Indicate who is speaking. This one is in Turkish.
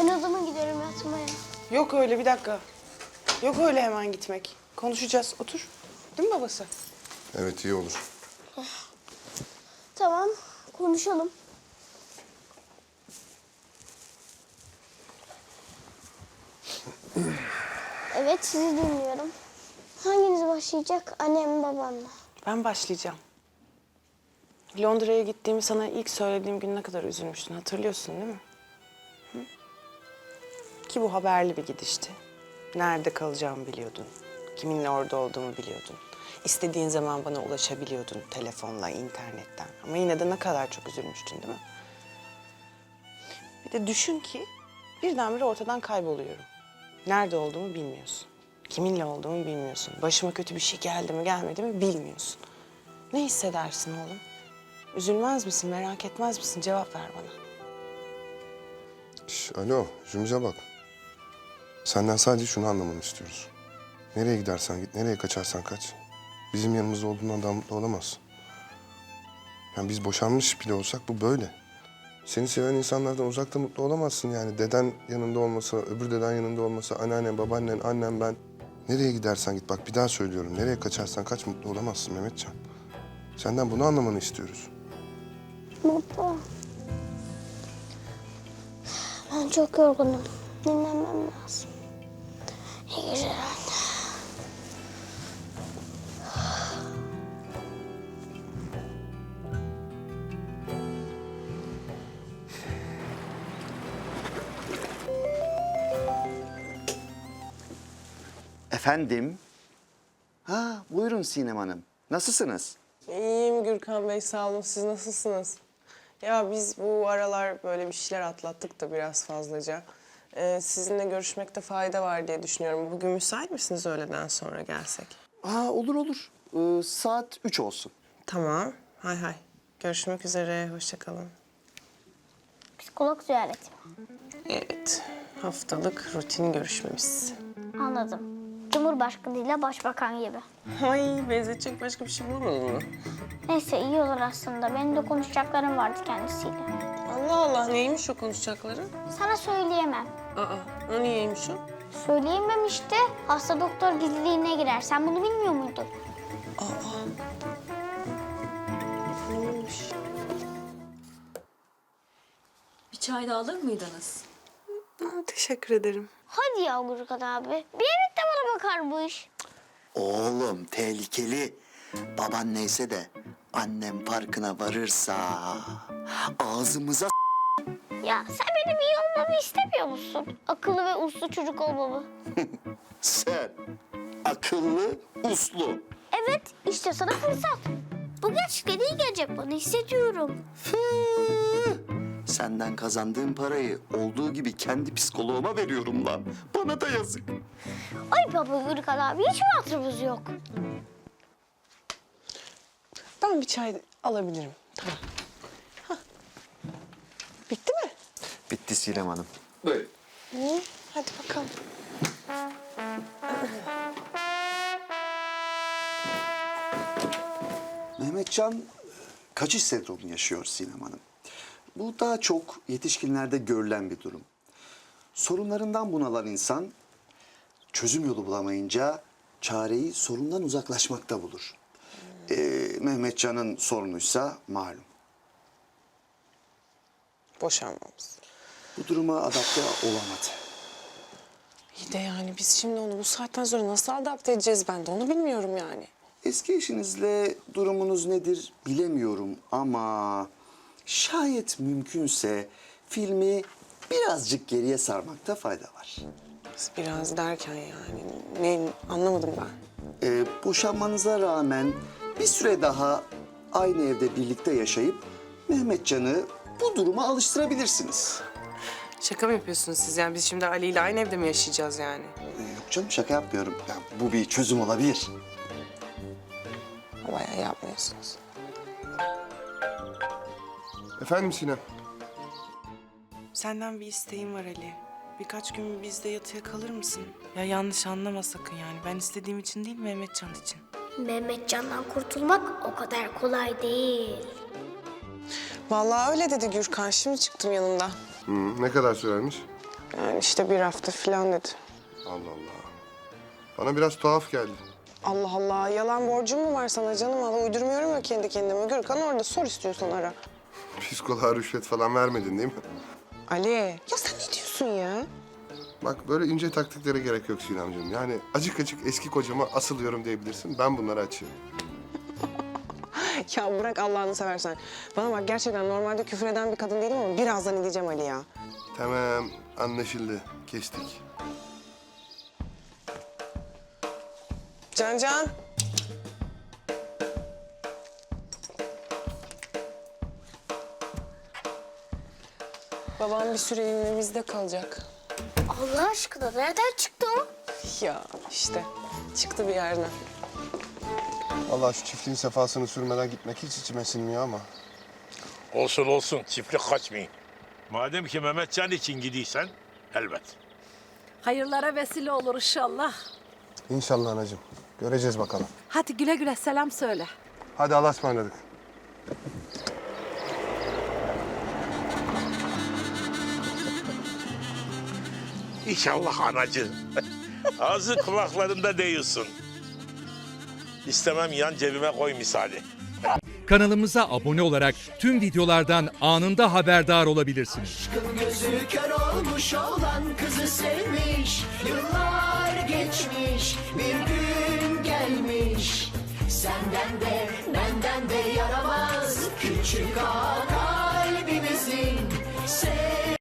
Speaker 1: Ben odama gidiyorum yatmaya.
Speaker 2: Yok öyle, bir dakika. Yok öyle hemen gitmek. Konuşacağız. Otur. Değil mi babası?
Speaker 3: Evet, iyi olur.
Speaker 1: Tamam, konuşalım. Evet, sizi dinliyorum. Hanginiz başlayacak? Annem mi, babam mı?
Speaker 2: Ben başlayacağım. Londra'ya gittiğimi sana ilk söylediğim gün ne kadar üzülmüştün, hatırlıyorsun değil mi? Hı? Ki bu haberli bir gidişti. Nerede kalacağımı biliyordun. Kiminle orada olduğumu biliyordun. İstediğin zaman bana ulaşabiliyordun telefonla, internetten. Ama yine de ne kadar çok üzülmüştün değil mi? Bir de düşün ki birdenbire ortadan kayboluyorum. Nerede olduğumu bilmiyorsun. Kiminle olduğumu bilmiyorsun. Başıma kötü bir şey geldi mi gelmedi mi bilmiyorsun. Ne hissedersin oğlum? Üzülmez misin, merak etmez misin? Cevap ver bana.
Speaker 3: Alo, Zümrüt'e bak. Senden sadece şunu anlamanı istiyoruz. Nereye gidersen git, nereye kaçarsan kaç. Bizim yanımızda olduğundan daha mutlu olamazsın. Yani biz boşanmış bile olsak bu böyle. Seni seven insanlardan uzakta mutlu olamazsın yani. Deden yanında olmasa, öbür deden yanında olmasa, anneannen, babaannen, annem, ben. Nereye gidersen git, bak bir daha söylüyorum. Nereye kaçarsan kaç mutlu olamazsın Mehmetcan. Senden bunu anlamanı istiyoruz.
Speaker 1: Baba. Ben çok yorgunum. Dinlenmem lazım. İyi geceler anne.
Speaker 4: Efendim? Ha, buyurun Sinem Hanım. Nasılsınız?
Speaker 2: İyiyim Gürkan Bey, sağ olun. Siz nasılsınız? Ya biz bu aralar böyle bir şeyler atlattık da biraz fazlaca. Sizinle görüşmekte fayda var diye düşünüyorum. Bugün müsait misiniz öğleden sonra gelsek?
Speaker 4: Ha, olur olur. Saat 3 olsun.
Speaker 2: Tamam. Hay hay. Görüşmek üzere. Hoşça kalın.
Speaker 1: Psikolog ziyareti mi?
Speaker 2: Evet. Haftalık rutin görüşmemiz.
Speaker 1: Anladım. Cumhurbaşkanıyla başbakan gibi.
Speaker 2: Ay, benzetecek başka bir şey bulamadın mı?
Speaker 1: Neyse iyi olur aslında. Benim de konuşacaklarım vardı kendisiyle.
Speaker 2: Allah Allah, neymiş o konuşacakları?
Speaker 1: Sana söyleyemem.
Speaker 2: Aa, o niyeymiş o?
Speaker 1: Söyleyemem işte. Hasta doktor gizliliğine girer. Sen bunu bilmiyor muydun?
Speaker 2: Neymiş?
Speaker 5: Bir çay da alır mıydınız?
Speaker 2: Teşekkür ederim.
Speaker 1: Hadi ya Gürkan abi. Bir evet de bana bakarmış.
Speaker 4: Oğlum tehlikeli. Baban neyse de annem farkına varırsa ağzımıza
Speaker 1: Ya sen benim iyi olmamı istemiyor musun? Akıllı ve uslu çocuk olmamı.
Speaker 4: sen akıllı, uslu.
Speaker 1: Evet, işte sana fırsat. Bu gerçekten iyi gelecek bana, hissediyorum.
Speaker 4: Senden kazandığım parayı olduğu gibi kendi psikoloğuma veriyorum lan. Bana da yazık.
Speaker 1: Ay baba Gürkan abi, hiç mi hatırımız yok?
Speaker 2: Ben bir çay alabilirim. Tamam. Hah. Bitti mi?
Speaker 4: Bitti Sinem Hanım.
Speaker 2: İyi. Hadi bakalım.
Speaker 4: Mehmetcan kaçış sendromu yaşıyor Sinem Hanım. Bu daha çok yetişkinlerde görülen bir durum. Sorunlarından bunalan insan çözüm yolu bulamayınca çareyi sorundan uzaklaşmakta bulur. Mehmetcan'ın sorunuysa malum.
Speaker 2: Boşanmamız.
Speaker 4: Bu duruma adapte olamadı.
Speaker 2: İyi de yani biz şimdi onu bu saatten sonra nasıl adapte edeceğiz, ben de onu bilmiyorum yani.
Speaker 4: Eski eşinizle durumunuz nedir bilemiyorum ama şayet mümkünse filmi birazcık geriye sarmakta fayda var.
Speaker 2: Biraz derken yani ne anlamadım ben.
Speaker 4: Boşanmanıza rağmen bir süre daha aynı evde birlikte yaşayıp Mehmetcan'ı bu duruma alıştırabilirsiniz.
Speaker 2: Şaka mı yapıyorsunuz siz yani? Biz şimdi Ali ile aynı evde mi yaşayacağız yani?
Speaker 4: Yok canım şaka yapmıyorum. Ya, bu bir çözüm olabilir.
Speaker 2: Bayağı yapmıyorsunuz.
Speaker 3: Efendim Sinem?
Speaker 2: Senden bir isteğim var Ali. Birkaç gün bizde yatıya kalır mısın? Ya yanlış anlama sakın yani. Ben istediğim için değil, Mehmetcan için.
Speaker 1: Mehmetcan'dan kurtulmak o kadar kolay değil.
Speaker 2: Vallahi öyle dedi Gürkan. Şimdi çıktım yanından.
Speaker 3: Ne kadar sürermiş?
Speaker 2: Yani işte bir hafta falan dedi.
Speaker 3: Allah Allah. Bana biraz tuhaf geldi.
Speaker 2: Allah Allah, yalan borcum mu var sana canım? Allah uydurmuyorum ya kendi kendime. Gürkan orada, sor istiyorsan ara.
Speaker 3: Psikoloğa rüşvet falan vermedin değil mi?
Speaker 2: Ali, ya sen ne diyorsun ya?
Speaker 3: Bak böyle ince taktiklere gerek yok Sinemciğim. Yani acık acık eski kocama asılıyorum diyebilirsin. Ben bunları açıyorum.
Speaker 2: Ya bırak Allah'ını seversen. Bana bak, gerçekten normalde küfür eden bir kadın değilim ama birazdan edeceğim Ali ya.
Speaker 3: Tamam, anlaşıldı. Kestik.
Speaker 2: Can. Babam bir süreliğine bizde kalacak.
Speaker 1: Allah aşkına nereden çıktı o?
Speaker 2: Ya işte çıktı bir yerden.
Speaker 3: Vallahi şu çiftliğin sefasını sürmeden gitmek hiç içime sinmiyor ama.
Speaker 6: Olsun olsun, çiftlik kaçmayın. Madem ki Mehmetcan için gidiysen, elbet.
Speaker 7: Hayırlara vesile olur inşallah.
Speaker 3: İnşallah anacığım. Göreceğiz bakalım.
Speaker 7: Hadi güle güle selam söyle.
Speaker 3: Hadi Allah'a ısmarladık.
Speaker 6: İnşallah anacı. Ağzı kulaklarında değilsin. İstemem yan cebime koy misali.
Speaker 8: Kanalımıza abone olarak tüm videolardan anında haberdar olabilirsiniz.
Speaker 9: Gözü kör olmuş olan kızı sevmiş. Yıllar geçmiş, bir gün gelmiş. Senden de benden de yaramaz küçük ağa kalbimizin.